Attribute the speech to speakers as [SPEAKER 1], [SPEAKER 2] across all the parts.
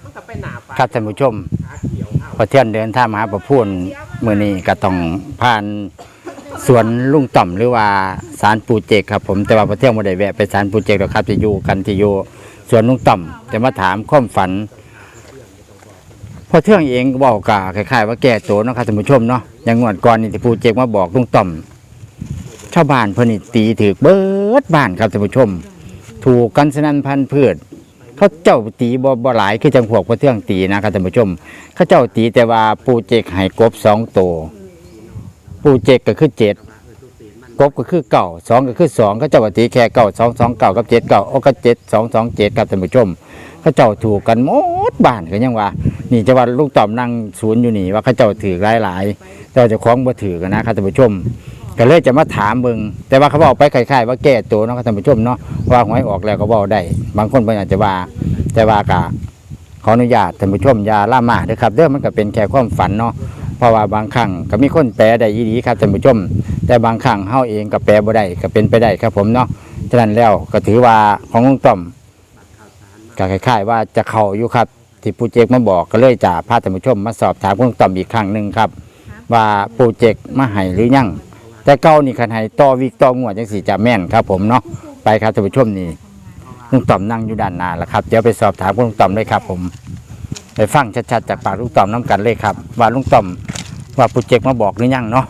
[SPEAKER 1] ครับท่านผู้ชมพอเที่ยนเดินทางมาหาประพูนมื้อนี้ก็ต้องผ่านสวนลุงต่อมหรือว่าศาลปู่เจกครับผมแต่ว่าพอเที่ยงบ่ได้แวะไปศาลปู่เจกหรอกครับจะอยู่กันที่อยู่สวนลุงต่อมจะมาถามความฝันพอเที่ยงเองก็บอกกะคล้ายๆว่าแก่โตเนาะครับท่านผู้ชมเนาะอย่างงวดก่อนนี่ที่ปู่เจกมาบอกลุงต่อมชาวบ้านเพิ่นนี่ตีถือเบิดบ้านครับท่านผู้ชมถูกกันสนั่นพันพืชเขาเจ้าตีบ่หลายคือจังพวกพอเที่ยงตีนะครับท่านผู้ชมเขาเจ้าตีแต่ว่าปู่เจกให้กบ2 ตัวปู่เจกก็คือ7กบก็คือเก่า2ก็คือ2เขาเจ้าตีแค่เก่า2 2 9กับ7 9โอ้ก็7 2 2 7ครับท่านผู้ชมเขาเจ้าถูกกันหมดบ้านก็ยังว่านี่จะว่าลุงต่อมนั่งศูนย์อยู่นี่ว่าเขาเจ้าถือหลายๆแต่เจ้าของบ่ถือกันนะครับท่านผู้ชมก็เลยจะมาถามเบิ่งแต่ว่าเขาบอกไปคล้ายๆว่าแก้ตัวเนาะครับท่านผู้ชมเนาะว่าหวยออกแล้วก็บอกได้บางคนเพิ่นอาจจะว่าแต่ว่ากะขออนุญาตท่านผู้ชมอย่าล่ามาเด้อครับเด้อมันก็เป็นแค่ความฝันเนาะเพราะว่าบางครั้งก็มีคนแปลได้อีหลีครับท่านผู้ชมแต่บางครั้งเฮาเองก็แปลบ่ได้ก็เป็นไปได้ครับผมเนาะฉะนั้นแล้วก็ถือว่าของลุงต่อมก็คล้ายๆว่าจะเข้าอยู่ครับที่ปู่เจกมาบอกก็เลยจะพาท่านผู้ชมมาสอบถามลุงต่อมอีกครั้งนึงครับว่าปู่เจกมาให้หรือยังแต่เก่านี่คันให้ต่อวิกต่องวดจังสิจะแม่นครับผมเนาะไปครับท่านผู้ชมนี่ลุงต่อมนั่งอยู่ด้านหน้าแล้วครับเดี๋ยวไปสอบถามลุงต่อมเลยครับผมไปฟังชัดๆจากปากลุงต่อมน้ำกันเลยครับว่าลุงต่อมว่าปู่เจกมาบอกหรือยังเนาะ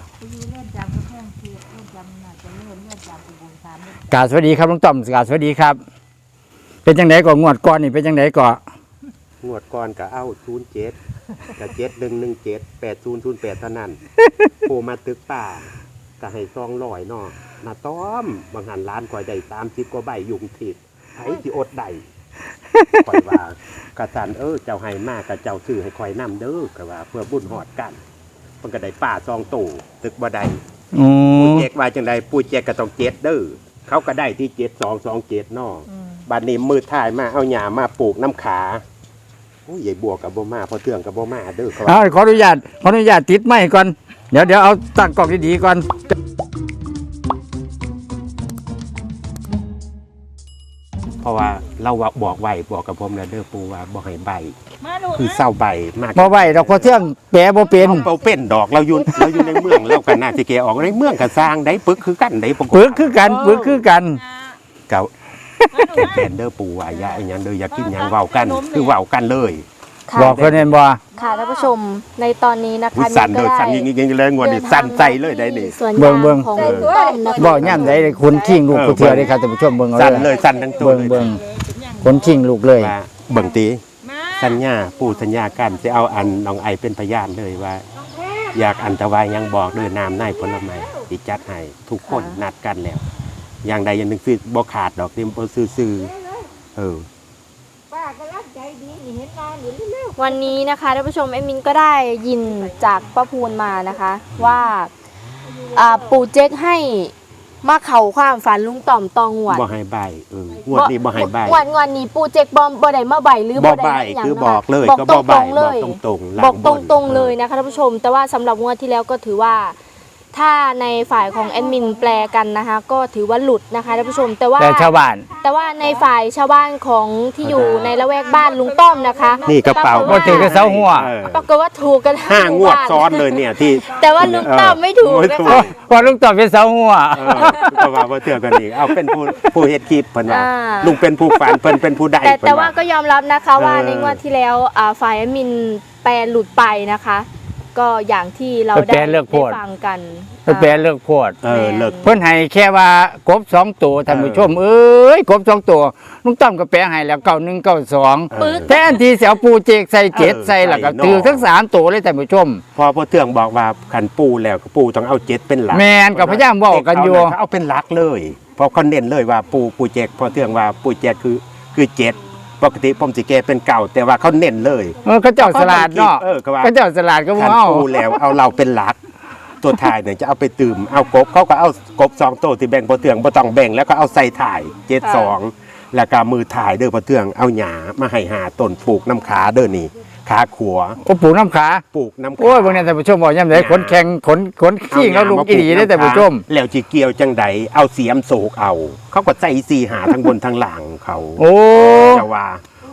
[SPEAKER 1] กราบสวัสดีครับลุงต่อมกราบสวัสดีครับเป็นจังไดก่อนงวดก่อนนี่เป็นจังไดก่อน
[SPEAKER 2] งวดก่อนก็เอา07กับ7117 8008เท่านั้นโผล่มาตึกป่าก็ให้200เนาะน่ะต้อมบางหันล้านข่อยได้30กว่าใบยุงทิดไผสิอดได้ข่อยว่ากะสันเจ้าให้มากกะเจ้าซื้อให้ข่อยนำเด้อก็ว่าเพื่อบุญฮอดกันเพิ่นก็ได้ป่า2ตู้ตึกบ่ได้ปู่เจกว่าจังได๋ปู่เจกก็ต้อง7เด้อเขาก็ได้ที่7227เนาะบัดนี้มือท้ายมาเอาหญ้ามาปลูกน้ำขาโอ้ยใหญ่บัวกับบ่มาพอเทืองกับบ่มาเด้อครับ
[SPEAKER 1] ขออนุญาตติดไม้ก่อนเดี๋ยวเอาตั้งกล้องดีๆก่อน
[SPEAKER 2] เพราะว่าเราบอกไว้บอกกับผมแล้วเด้อปู่ว่าบ่ให้ใบคือเศร้าใบมาก
[SPEAKER 1] บ่ใบดอกพอเทืองแปรบ่เป็น
[SPEAKER 2] ดอกเราอยู่ในเมืองเรากันน่าสิแกออกในเมืองก็สร้างได้ปึกคือกันได้
[SPEAKER 1] ปึกคือกัน
[SPEAKER 2] เก่าแผ่นเด้อปู่ว่าอย่าอีหยังเด้ออย่ากินหยังเว้ากันคือเว้ากันเลย
[SPEAKER 1] บอกเพิ่นเห็นบ่
[SPEAKER 3] ค่ะท่านผู้ชมในตอนนี้นะคะ
[SPEAKER 2] สั่นเด้อสั่นยิงๆเลยงวดนี้สั่นใจเลยได้นี่
[SPEAKER 1] เบิ่งของบ่ย่ำได้คนขิงลูกผู้เทื่อได้ครับท่านผู้ชมเบิ่งเอา
[SPEAKER 2] สั่นเลยสั่นทั้งตัว
[SPEAKER 1] เบิ่งคนขิงลูกเลย
[SPEAKER 2] เบิ่งตีสัญญาปู่สัญญากันสิเอาอันน้องไอเป็นพยานเลยว่าอยากอันตวายยังบอกเด้อน้ำในผลไม้สิจัดให้ทุกคนนัดกันแล้วอย่างใดอย่างหนึ่งคือบ่ขาดดอกที่บ่ซื้อ
[SPEAKER 3] วันนี้นะคะท่านผู้ชมแอดมินก็ได้ยินจากป้าพูนมานะคะว่าปู่เจ๊กให้มาเข่าความฝันลุงต่อมตองหวด
[SPEAKER 2] บ่ให้ใบงวดนี้บ่ให้ใบ
[SPEAKER 3] งวดนี้ปู่เจ๊กบ่ได้มาใบหรือ
[SPEAKER 2] บ่ได้คือบอกเลยก็บ่ใบบอกตรง
[SPEAKER 3] ๆบอกตรงๆเลยนะคะท่านผู้ชมแต่ว่าสำหรับงวดที่แล้วก็ถือว่าถ้าในฝ่ายของแอดมินแปลกันนะคะก็ถือว่าหลุดนะคะท่านผู้ชมแต่ว่า
[SPEAKER 1] ชาวบ้าน
[SPEAKER 3] แต่ว่าในฝ่ายชาวบ้านของที่อยู่ในละแวกบ้านลุงต้อมนะคะ
[SPEAKER 2] นี่กระเป๋า
[SPEAKER 1] บ่ถือกระเซาหัว
[SPEAKER 3] ปรากฏว่าถูกกัน
[SPEAKER 2] 5 งวดซ้อนเลยเนี่ยที่
[SPEAKER 3] แต่ว่าลุงต้อมไม่ถูกนะคะ
[SPEAKER 1] พอลุงต้อมเป็นเสาหัว
[SPEAKER 2] ก็ว่าบ่เทื่อกันอีกเอาเป็นผู้เฮ็ดคลิปเพิ่นว่าลุงเป็นผู้ฝันเพิ่นเป็นผู้ได้
[SPEAKER 3] แต่ว่าก็ยอมรับนะคะว่าในงวดที่แล้วฝ่ายแอดมินแปลหลุดไปนะคะก็อย่างที่เราได้ฟังกัน
[SPEAKER 1] แปลเลิกโพด
[SPEAKER 2] เลิก
[SPEAKER 1] เพิ่นให้แค่ว่ากบ2 ตัวท่านผู้ชมกบ2 ตัวลุงต้อมก็แปลให้แล้ว91 92แทนที่สิเอาปูเจกใส่7ใส่แล้วก็ถือทั้ง3 ตัวเลยท่านผู้ชม
[SPEAKER 2] พอเทืองบอกว่าคันปูแล้วก็ปูต้องเอา7เป็นหลัก
[SPEAKER 1] แม่นก็พยายามเว้ากันอยู่
[SPEAKER 2] เอาเป็นหลักเลยเพราะเขาเน้นเลยว่าปูเจกพอเทืองว่าปูเจกคือ7ปกติผมสิแกเป็นเก่าแต่ว่าเขาเน้นเลย
[SPEAKER 1] เขาเจ้าสลัดเนาะเขาเจ้าสลัดก็บ่เอา
[SPEAKER 2] ปูแล้วเอาเราเป็นหลักตัวถ่ายเนี่ยจะเอาไปตื่มเอากบเขาก็เอากบ2 ตัวที่แบ่งพอเทืองบ่ต้องแบ่งแล้วก็เอาใส่ถ่าย72แล้วก็มือถ่ายเด้อพอเทืองเอาหญ้ามาให้5 ต้นปลูกน้ำขาเด้อนี่ขาขัว
[SPEAKER 1] ปลูกน้ำขาโอ้ยบางเนี่ยท่านผู้ชมบอกย่ำไหนขนแข็งขนขี้เขาลุกอีได้แต่ผู้ชม
[SPEAKER 2] แล้วจีเกียวจังใดเอาเสียมโศกเอาเขาก็ใจ4 หาทั้งบนทั้งหลังเขา
[SPEAKER 1] โอ้
[SPEAKER 2] จะว่า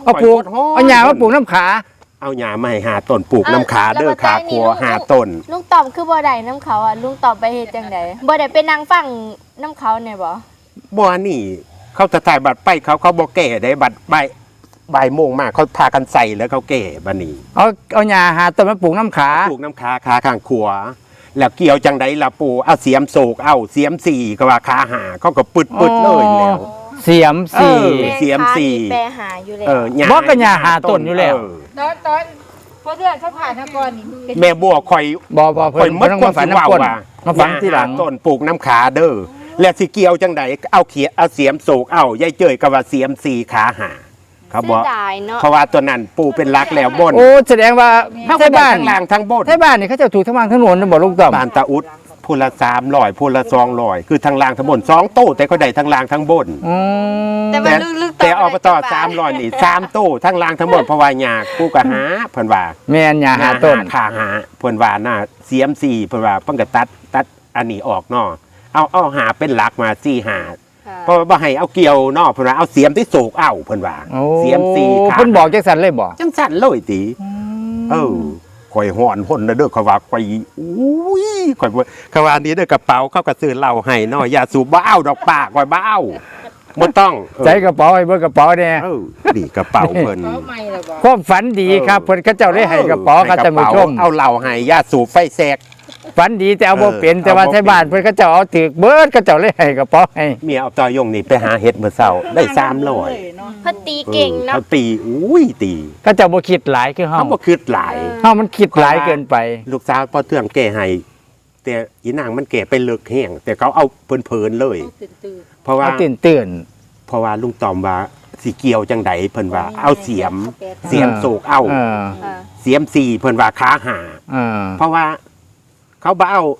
[SPEAKER 1] เอาปลูก
[SPEAKER 2] ข่ย
[SPEAKER 1] เอาหญ้ามาปลูกน้ำขา
[SPEAKER 2] เอาหญ้ามาให้5ต้นปลูกน้ำขาเด้อขาครัว5ต้น
[SPEAKER 3] ลุงต่อมคือบ่ได้น้ำเขาอ่ะลุงต่อมไปเฮ็ดจังไดบ่ได้ไปนั่งฟังน้ำเขาเนี่ยบ่
[SPEAKER 2] บ่นี่เขาจะถ่ายบัตรไปเขาบ่แก่ได้บัตรบ่ายโมงมาเขาพากันใส่แล้วเขาแก่บัดนี้
[SPEAKER 1] เอาหญ้าหาต้นมาปลูกน้ำขา
[SPEAKER 2] ปลูกน้ำขาข้างขวาแล้วเกี่ยวจังไดล่ะปู่เอาเสียมโศกเอาเสียมสี่ก็ว่าขาหาเขาก็ปึดเลยแล้ว
[SPEAKER 1] เสียมสี่
[SPEAKER 2] เสียมสี่
[SPEAKER 3] แปรหาอยู่แล้ว
[SPEAKER 2] หญ้
[SPEAKER 1] บ่ก็หญ้าหาต้นอยู่แล้ว
[SPEAKER 4] ตอนพอเดือนเขาผ่านทก่อนนี่เป็น
[SPEAKER 2] แม่บัวข่อย
[SPEAKER 1] บ่เพิ่
[SPEAKER 2] ข่อย
[SPEAKER 1] น
[SPEAKER 2] มัด
[SPEAKER 1] ต้อง
[SPEAKER 2] ควา
[SPEAKER 1] มาฝัน
[SPEAKER 2] สิว่า
[SPEAKER 1] น้ำก้น
[SPEAKER 2] ว่า
[SPEAKER 1] มาฝันที่หลัง
[SPEAKER 2] ญ้าต้นปลูกน้ำขาเด้อแล้วสิเกี่ยวจังไดเอาเสียมโศกเอายายเจยก็ว่าเสียมสี่ขาหาเขาบอก
[SPEAKER 3] เสียดายเนาะ
[SPEAKER 2] เพราะว่าตัวนั้นปู่เป็นรักแล้วบน
[SPEAKER 1] โอ้แสดงว่า
[SPEAKER 2] เขา
[SPEAKER 1] ไท
[SPEAKER 2] ก็
[SPEAKER 1] ย
[SPEAKER 2] ได้
[SPEAKER 1] บ้าน
[SPEAKER 2] ทั้งล่างทั้งบน
[SPEAKER 1] ไทยบ้านนี่เขาเจะถูกทั้งล่างทั้งโน้นนะบ่ลุงต่อม
[SPEAKER 2] บ้านตาอุดพูละ300พูละ200คือทั้งล่างทั้งบน2โต้แต่เขาได้ทั้งล่างทั้งบน
[SPEAKER 1] อืม
[SPEAKER 3] แต่ว่าลึกๆ
[SPEAKER 2] แต่อบต300นี่3โต้ทั้งล่างทั้งบนเพราะว่าหญ้ากูก็หาเพิ่นว่า
[SPEAKER 1] แม่นหญ้าหาต้น
[SPEAKER 2] ขาหาเพิ่นว่าน่ะเสียม4เพิ่นว่าเพิ่นก็ตัดอันนี้ออกเนาะเอาหาเป็นหลักมา4หาเพราะว่าบ่ให้เอาเกี่ยวเนาะเพิ่นว่าเอาเสียมที่โศกเอาเพิ่นว่า
[SPEAKER 1] โอ้
[SPEAKER 2] เสียม4ขา
[SPEAKER 1] เพิ่นบอกจังซั่นเลยบ่
[SPEAKER 2] จังสั่นเลยติข่อยฮ้อนพ่นเด้อเขาว่าข่อยอุ้ยข่อยบ่เขาว่าอันนี้เด้อกระเป๋าเขาก็ซื้อเหล้าให้เนาะอย่าสูบบ่เอาดอกป้าข่อยบ่เอาบ่ต้องเออ
[SPEAKER 1] ใส่กระเป๋าให้เบิ่งกระเป๋าเนี่ย
[SPEAKER 2] นี่กระเป๋าเพิ่น
[SPEAKER 4] เขาไม่ละบ่
[SPEAKER 1] ความฝันดีครับเพิ่นเขาเจ้าได้ให้กระเป๋าครับท่านผู้ชม
[SPEAKER 2] เอาเหล้าให้อย่าสูบไฟแสก
[SPEAKER 1] ฝันดีแต่เอาบ่เป็น
[SPEAKER 2] เออ
[SPEAKER 1] แต่ว่า
[SPEAKER 2] เอาบ่
[SPEAKER 1] ไทยบ้าน
[SPEAKER 2] เป็น
[SPEAKER 1] เพิ่นเขาเจ้าเอาถึกเบิดเขาเจ้าเลยให้กระเป๋าให้
[SPEAKER 2] เมียเอาตอยงนี่ไปหาเห็ดเมื่อเช้าได้300
[SPEAKER 4] เนาะ
[SPEAKER 3] เพิ่นตีเก่งเนาะ
[SPEAKER 2] เขาตีอุ้ยตี
[SPEAKER 1] เขาเจ้าบ่คิดหลายคือเฮา
[SPEAKER 2] เขาบ่คิดหลาย
[SPEAKER 1] เฮามันคิดหลายเกินไป
[SPEAKER 2] ลูกสาวพอเทื่องแก่ให้แต่อีนางมันแก่ไปเลิกแห้งแต่เขาเอาเพลินๆเลย
[SPEAKER 4] ตื่น
[SPEAKER 2] เพราะว่า
[SPEAKER 1] เอาตื่น
[SPEAKER 2] เพราะว่าลุงตอมว่าสิเกี่ยวจังไดเพิ่นว่าเอาเสียมโศกเอา
[SPEAKER 1] เออ
[SPEAKER 3] ค่ะ
[SPEAKER 2] เสียมสี่เพิ่นว่าขาหา
[SPEAKER 1] เออ
[SPEAKER 2] เพราะว่าเขาบ่เอา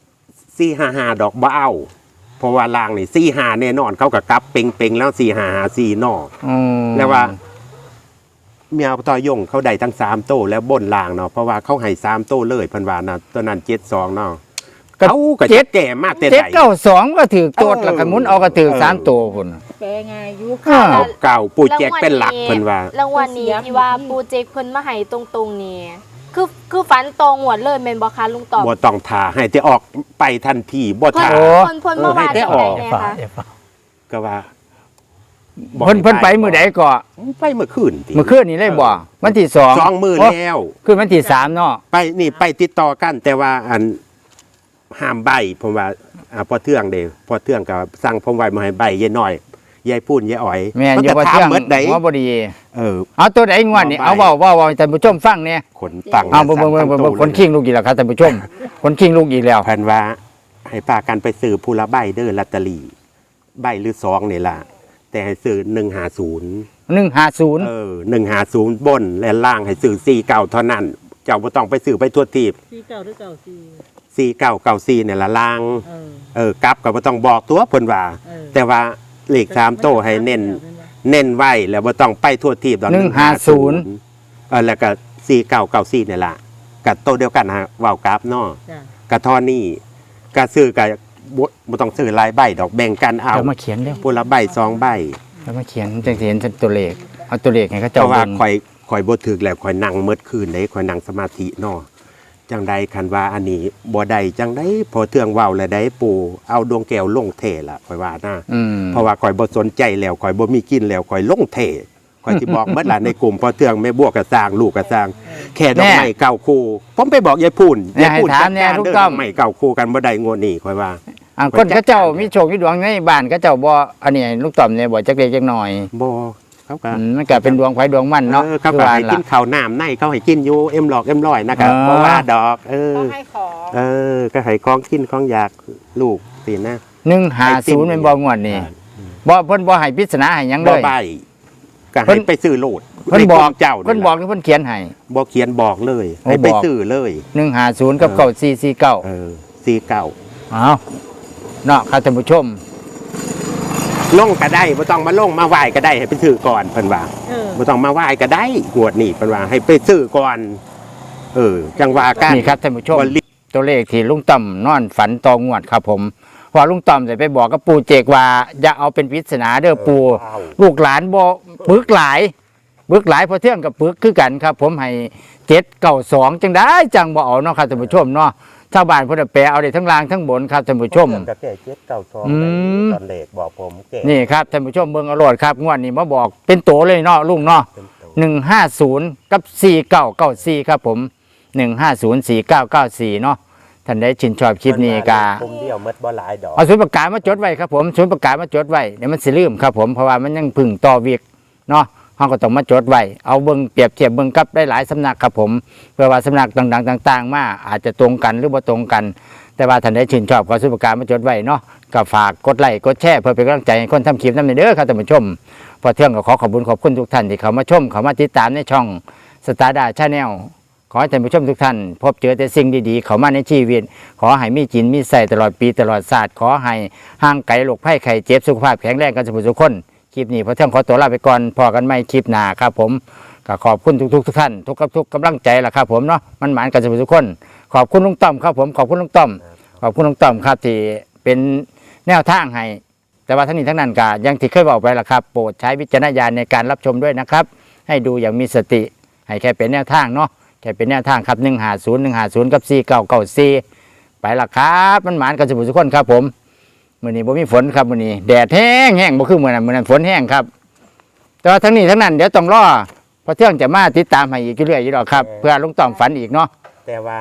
[SPEAKER 2] 455ดอกบ่เอาเพราะว่าลางนี่45แน่นอนเขาก็กลับเป่งๆแล้ว4554นอ
[SPEAKER 1] อืม
[SPEAKER 2] แล้วว่าเมียต่อยงเขาได้ทั้ง3โต้แล้วบนลางเนาะเพราะว่าเขาให้3โต้เลยเพิ่นว่านะตัวนั้น72เนาะเขาก็จะแก่มากแต่
[SPEAKER 1] เจ็ด
[SPEAKER 2] ใด
[SPEAKER 1] เก้าสองก็ถือโตดแล้วก็หมุนเอาก็ถือ
[SPEAKER 2] เออ
[SPEAKER 1] 3ตัวพุ่น
[SPEAKER 4] แปลง่ายอยู่
[SPEAKER 1] อ่า
[SPEAKER 2] เอาเก่าปูแจกเป็นหลักเพิ่นว่า
[SPEAKER 3] รางวัลนี้ที่ว่าปูเจกเพิ่นมาให้ตรงๆนี่คือฝันตรงหวดเลยแม่นบ่คะลุงตอบ
[SPEAKER 2] บ่ต้องทาให้แต่ออกไปทันทีบ่
[SPEAKER 3] เพิ่น
[SPEAKER 2] ทา
[SPEAKER 1] โอ้
[SPEAKER 3] เพิ่นมาว่า
[SPEAKER 2] ให้ได้
[SPEAKER 3] จัง
[SPEAKER 2] อ
[SPEAKER 3] ได
[SPEAKER 2] อก
[SPEAKER 3] แน่คะ
[SPEAKER 2] ก็ว่า
[SPEAKER 1] เพิ่นไปมื้อใดก็
[SPEAKER 2] ไปเมื่อคืนติ
[SPEAKER 1] เมื่อคืนนี้เลยบ่วันที่2
[SPEAKER 2] 2มื้อแล้ว
[SPEAKER 1] คือวันที่3เนาะ
[SPEAKER 2] ไปนี่ไปติดต่อกัน แต่ว่าอันห้ามใบผมว่าพอเทื่องเด้พอเทื่องก็สั่งผมไว้มาให้ใบยายน้อยยายพูนยายอ๋อย
[SPEAKER 1] แม่นอยู่
[SPEAKER 2] ก็
[SPEAKER 1] ว่า
[SPEAKER 2] ถาม
[SPEAKER 1] เที่ยง
[SPEAKER 2] เบิดใด
[SPEAKER 1] หัวบ่ดี
[SPEAKER 2] เออ
[SPEAKER 1] เอาตัวใดงวดนี่
[SPEAKER 2] เอา
[SPEAKER 1] เอา
[SPEAKER 2] ใบ
[SPEAKER 1] เว้าให้ท่านผู้ชมฟังเนี่ย
[SPEAKER 2] ขนตัง
[SPEAKER 1] เอาเบิ่งคนขิงลูกอีกแล้วครับท่านผู้ชม คนขิงลูกอีกแล้ว
[SPEAKER 2] แผนว่า ให้พากันไปซื้อผู้ละใบเด้อลอตเตอรี่ใบหรือ2นี่ล่ะ แต่ให้ซื้อ150
[SPEAKER 1] 150
[SPEAKER 2] 150บนและล่างให้ซื้อ49เท่านั้น เจ้าบ่ต้องไปซื้อไปทั่วทีบ
[SPEAKER 4] ที่เก่าหรือเก่าสี่
[SPEAKER 2] 4994เนี่ยละล่าง
[SPEAKER 4] เออก
[SPEAKER 2] ลับก็บ่ต้องบอกตัวเพิ่นว่า
[SPEAKER 4] เออ
[SPEAKER 2] แต่ว่าเลข3โตให้เน้นไว้แล้วบ่ต้องไปทั่วทีบดอก
[SPEAKER 1] 150
[SPEAKER 2] แล้วก็4994เนี่ยล่ะกับโตเดียวกันฮะเว้ากราฟเนาะ
[SPEAKER 4] จ้ะ
[SPEAKER 2] กะทอนี่กะซื้อกับบ่ต้องซื้อหลายใบดอกแบ่งกันเอา
[SPEAKER 1] เดี๋ยวมาเขียนเร็ว
[SPEAKER 2] ผู้ละใบ2ใบ
[SPEAKER 1] เดี๋ยวมาเขียนจังสิเห็นตัวเลขเอาตัวเลขให้เขา
[SPEAKER 2] เพ
[SPEAKER 1] เจ้า
[SPEAKER 2] ราะว่า
[SPEAKER 1] เบิ่ง
[SPEAKER 2] ข่อยบ่ถึกแล้วข่อยนั่งเมิดคืนได้ข่อยนั่งสมาธิเนาะจังใดคันว่าอันนี้บ่ได้จังไดพอเทื่องเว้าแล้วได้ปู่เอาดวงแก้วลงเทล่ะข่อยว่านะ
[SPEAKER 1] อืม
[SPEAKER 2] เพราะว่าข่อยบ่สนใจแล้วข่อยบ่มีกินแล้วข่อยลงเทข่อยสิบอกเบิดล่ะในกลุ่มพอเทื่องแม่บัวก็สร้างลูกก็สร้าง แค่ดอกไม้เก่าคู่ผมไปบอกยายพูน
[SPEAKER 1] เนี่ยให้ถาม
[SPEAKER 2] จัด
[SPEAKER 1] เนี่ย
[SPEAKER 2] การ
[SPEAKER 1] ลูก
[SPEAKER 2] เด้อ
[SPEAKER 1] ต้
[SPEAKER 2] ด
[SPEAKER 1] อ
[SPEAKER 2] อ
[SPEAKER 1] ม
[SPEAKER 2] กไม้เก่าคู่กันบ่ได้งวดนี้ข่อยว่า
[SPEAKER 1] คนเขาเจ้ามีโชคมีดวงในบ้านเขาเจ้าบ่อันนี้ลูกต่อมเนี่ยบ่จักเล็กจักน้อย
[SPEAKER 2] บ่เขาก็
[SPEAKER 1] มันก็เป็นดวงไฟดวงมันเนาะ
[SPEAKER 2] เขา
[SPEAKER 1] คือ
[SPEAKER 2] ก็
[SPEAKER 1] ว่า
[SPEAKER 2] ให้กิ
[SPEAKER 1] ล่ะ
[SPEAKER 2] นข้าวน้ำในเขาให้กินอยู่เอ็มหลอกเอ็มร้อยนะครับ
[SPEAKER 1] อ่า
[SPEAKER 2] เพราะว่าดอก
[SPEAKER 4] เขา
[SPEAKER 2] เออ
[SPEAKER 4] ให้ของ
[SPEAKER 2] เออ ก็ให้ของกินของอยากลูกสินะ
[SPEAKER 1] 150เป็นบ่งวดนี่บ่เพิ่นบ่ให้ปริศนาให้หยังเล
[SPEAKER 2] บ่
[SPEAKER 1] ย
[SPEAKER 2] ใบก็
[SPEAKER 1] เพิ่
[SPEAKER 2] ให้
[SPEAKER 1] น
[SPEAKER 2] ไปซื้อโลด
[SPEAKER 1] เพิ่นบอก
[SPEAKER 2] ในกลุ่มเจ้า
[SPEAKER 1] เพิ่นบอกหรือเพิ่นเขียนให้
[SPEAKER 2] บ่เขียนบอกเลย
[SPEAKER 1] โอ้
[SPEAKER 2] ให้ไป
[SPEAKER 1] บอก
[SPEAKER 2] ซื้อเลย
[SPEAKER 1] 150กับ
[SPEAKER 2] เออ
[SPEAKER 1] 9449
[SPEAKER 2] เออซีเก่า
[SPEAKER 1] เอาเนาะครับท่านผู้ชม
[SPEAKER 2] ลงก็ได้บ่ต้องมาลงมาไหว้ก็ได้ให้ไปซื้อก่อนเพิ่นว่า
[SPEAKER 4] เออ
[SPEAKER 2] บ่ต้องมาไหว้ก็ได้งวดนี้เพิ่นว่าให้ไปซื้อก่อนจังว่ากัน
[SPEAKER 1] นี่ครับท่านผู้ชม
[SPEAKER 2] บ่รีบ
[SPEAKER 1] ตัวเลขที่ลุงต่อมนอนฝันตองวดครับผมว่าลุงต่อมจะไปบอกกับปู่เจกว่าอย่าเอาเป็นปริศนาเด้อปู่ลูกหลานบ่ปึกหลายปึกหลายพอเที่ยงกับปึกคือกันครับ ผมให้792จังได้จังบ่เอาเนาะครับท่านผู้ชมเนาะชาวบ้านเพิ่นแปลเอาได้ทั้งล่างทั้งบนครับท่านผู้ชม
[SPEAKER 2] ก็แก่เจ็ดเก้าสอง
[SPEAKER 1] อืม
[SPEAKER 2] ตอนเลขบอกผมแก่
[SPEAKER 1] นี่ครับท่านผู้ชมเบิ่งเอาโลดครับงวดนี้มาบอกเป็นโตเลยเนาะลุงเนาะ
[SPEAKER 2] เป็นตัว
[SPEAKER 1] 150กับ4994ครับผม1504994เนาะท่านได้ชื่นชอบคลิปนี้ก็
[SPEAKER 2] ผมเดียวหมดบ่หลายดอก
[SPEAKER 1] เอาศูนย์ประกาศมาจดไว้ครับผมศูนย์ประกาศมาจดไว้เดี๋ยวมันสิลืมครับผมเพราะว่ามันยังพึ่งต่อวิกเนาะเราก็ต้องมาจดไว้เอาเบิ่งเปรียบเทียบเบิ่งกับได้หลายสำนักครับผมเพื่อว่าสำนักต่างๆต่างๆมาอาจจะตรงกันหรือบ่ตรงกัน แต่ว่าท่านได้ชื่นชอบก็ศูนย์ประกาศมาจดไว้เนาะก็ฝากกดไลค์กดแชร์เพื่อเป็นกำลังใจให้คนทำคลิปนั้นเด้อครับท่านผู้ชมพอเที่ยงก็ขอขอบคุณทุกท่านที่เข้ามาชมเข้ามาติดตามในช่องสตาร์ดาชาแนล ขอให้ท่านผู้ชมทุกท่านพบเจอแต่สิ่งดีๆเข้ามาในชีวิตขอให้มีกินมีใส่ตลอดปีตลอดศาสตร์ขอให้ห่างไกลโรคภัยไข้เจ็บสุขภาพแข็งแรงกันทุกคนคลิปนี้พอเที่ยงขอตัวลาไปก่อนพอกันไม่คลิปหน้าครับผมก็ขอบคุณทุกท่านทุกกำลังใจล่ะครับผมเนาะมันหมานกันทุกคนขอบคุณลุงต้อมครับผมขอบคุณลุงต้อมขอบคุณลุงต้อมครับที่เป็นแนวทางให้แต่ว่าทั้งนี้ทั้งนั้นก็อยังที่เคยบอกไปล่ะครับโปรดใช้วิจารณญาณในการรับชมด้วยนะครับให้ดูอย่างมีสติให้แค่เป็นแนวทางเนาะแค่เป็นแนวทางครับ150กับ4994ไปละครับมันหมานกันทุกคนครับผมมื้อนี้บ่มีฝนครับมื้อนี้แดดแห้งบ่คือมื้อนั้นฝนแห้งครับแต่ว่าทั้งนี้ทั้งนั้นเดี๋ยวต้องรอพอเที่ยงจะมาติดตามให้อีกเรื่อยๆอยู่ดอกครับเพื่อลุงต้อมฝันอีกเนาะ
[SPEAKER 2] แต่ว่า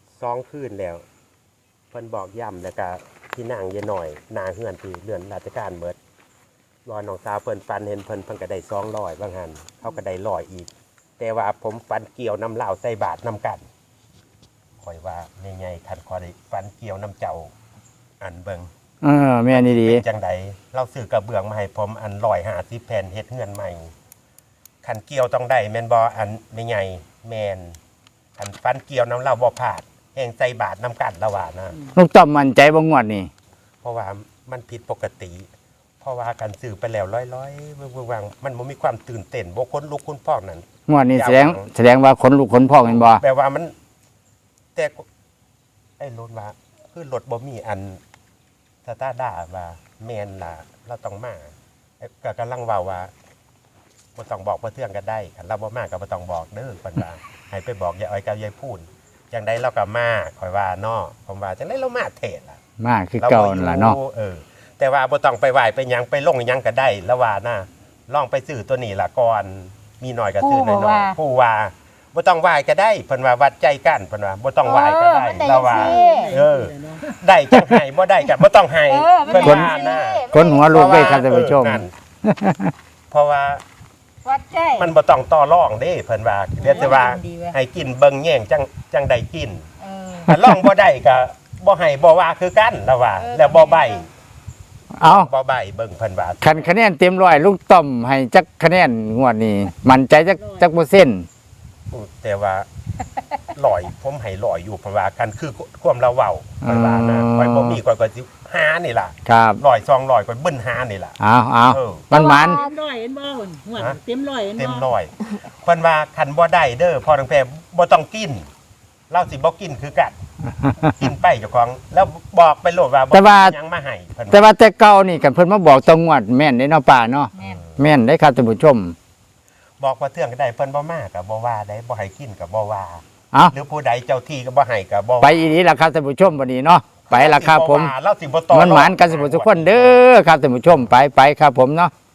[SPEAKER 2] 2คืนแล้วเพิ่นบอกย้ำแล้วก็ที่นั่งเยอะหน่อยหนาเฮือนที่เรือนราชการเบิดรอน้องสาวเพิ่นฟันเห็นเพิ่นก็ได้200บางหันเขาก็ได้100อีกแต่ว่าผมฟันเกี่ยวน้ำเหล้าใส่บาทน้ำกันคอยว่าใหญ่ๆคันคอยได้ฟันเกี่ยวน้ำเจ้าอันเบิง
[SPEAKER 1] แม่นี่ดี
[SPEAKER 2] เป็นจังใดเราซื้อกระเบื้องมาให้ผมอัน150แผ่นเฮ็ดเฮือนใหม่คันเกี่ยวต้องได้แม่นบ่อันใหญ่แม่นคันฟันเกี่ยวน้ำเหล้าบ่พลาดแห้งใส่บาทน้ำกันละว่านะ
[SPEAKER 1] ลุงต้อมมั่นใจบ่งวดนี่
[SPEAKER 2] เพราะว่ามันผิดปกติ เพราะว่าการซื้อไปแล้วร้อยๆวางมันบ่มีความตื่นเต้นบ่คนลุกคนพอกนั่น
[SPEAKER 1] งวดนี้แสดงว่าขนลุกขนพองแม่นบ่
[SPEAKER 2] แปลว่ามันแต่ไอ้รถว่าคือรถบ่มีอันสตาร์ด้าว่าแม่นล่ะเราต้องมาก็กำลังเว้าว่าบ่ต้องบอกเพื่อเทื่องกันได้คันเราบ่มาก็บ่ต้องบอกเด้อเพิ่นว่าให้ไปบอกยายอ้อยกับยายพูนจังได๋เราก็มาข่อยว่าเนาะผมว่าจังได๋เรามาเทศล่ะ
[SPEAKER 1] มาคือเก่านั่นล่ะเนาะ
[SPEAKER 2] แต่ว่าบ่ต้องไปไหว้ไปหยังไปลงหยังก็ได้แล้วว่านะลองไปซื้อตัวนี้ล่ะก่อนมีหน่อยก็ซื้อหน่อยๆผู้ว่าบ่ต้องไหว้ก็ได้เพิ่นว่าวัดใจกันเพิ่นว่าบ่ต้องไหว้ก็ได้แล้วว่าได้จังไห้บ่ได้ก็บ่ต้องให้เพิ่นว่านะ
[SPEAKER 1] คนหัวลูกได้ครับท่านผู้ชม
[SPEAKER 2] นั่นเพราะว่า
[SPEAKER 4] วัดใจ
[SPEAKER 2] มันบ่ต้องต่อรองเด้เพิ่นว่าเดี๋ยวแต่ว่าให้กินเบิ่งแย่งจังได้กินถ้าลองบ่ได้ก็บ่ให้บ่ว่าคือกันแล้วว่าแล้วบ่ใบ
[SPEAKER 1] เอา
[SPEAKER 2] บ่ใบเบิ่งเพิ่นว่า
[SPEAKER 1] คันคะแนนเต็มร้อยลุงต้อมให้จักคะแนนงวดนี้มั่นใจจักเปอร์เซ็นต์
[SPEAKER 2] แต่ว่าลอยผมให้ลอยอยู่เพราะว่ากันคือความเราเว้าเพิ่นว่านะข่อยบ่มีข่อยก็สิหานี่ล่ะ
[SPEAKER 1] ครับ
[SPEAKER 2] ลอย200ข่อยเบิ้นหานี่ล่ะ
[SPEAKER 1] เอา
[SPEAKER 2] เออ
[SPEAKER 1] มันหมัน
[SPEAKER 4] เต็มร้อยเห็นบ่หุ่นหัวเต็มร้อยเห็นบ่
[SPEAKER 2] เต็มร้อยเพิ่นว่าคันบ่ได้เด้อพ่อทั้งแพ่บ่ต้องกินเราสิบ่กินคือกันกินไปเจ้าของแล้วบอกไปโลดว่าบ่ยังมาให้เพิ่น
[SPEAKER 1] แต่ว่าแต่เก่านี่กันเพิ่นมาบอกตรงงวดแม่นได้เนาะป่าเนาะ
[SPEAKER 4] แม่น
[SPEAKER 1] แม่นได้ครับท่านผู้ชม
[SPEAKER 2] บอกว่าเทื่องก็ได้เพิ่นบ่มาก็บ่ว่าได้บ่ให้กินก็บ่ว่า
[SPEAKER 1] เอา
[SPEAKER 2] หรือผู้ใดเจ้าที่ก็บ่ให้ก็บ่
[SPEAKER 1] ไปอีนี้ล่ะครับท่านผู้ชมวันนี้เนาะไปล่ะครับผม
[SPEAKER 2] เราสิบ่ต่อ
[SPEAKER 1] มันหมานกันสุขทุกคนเด้อครับท่านผู้ชมไปครับผมเนาะ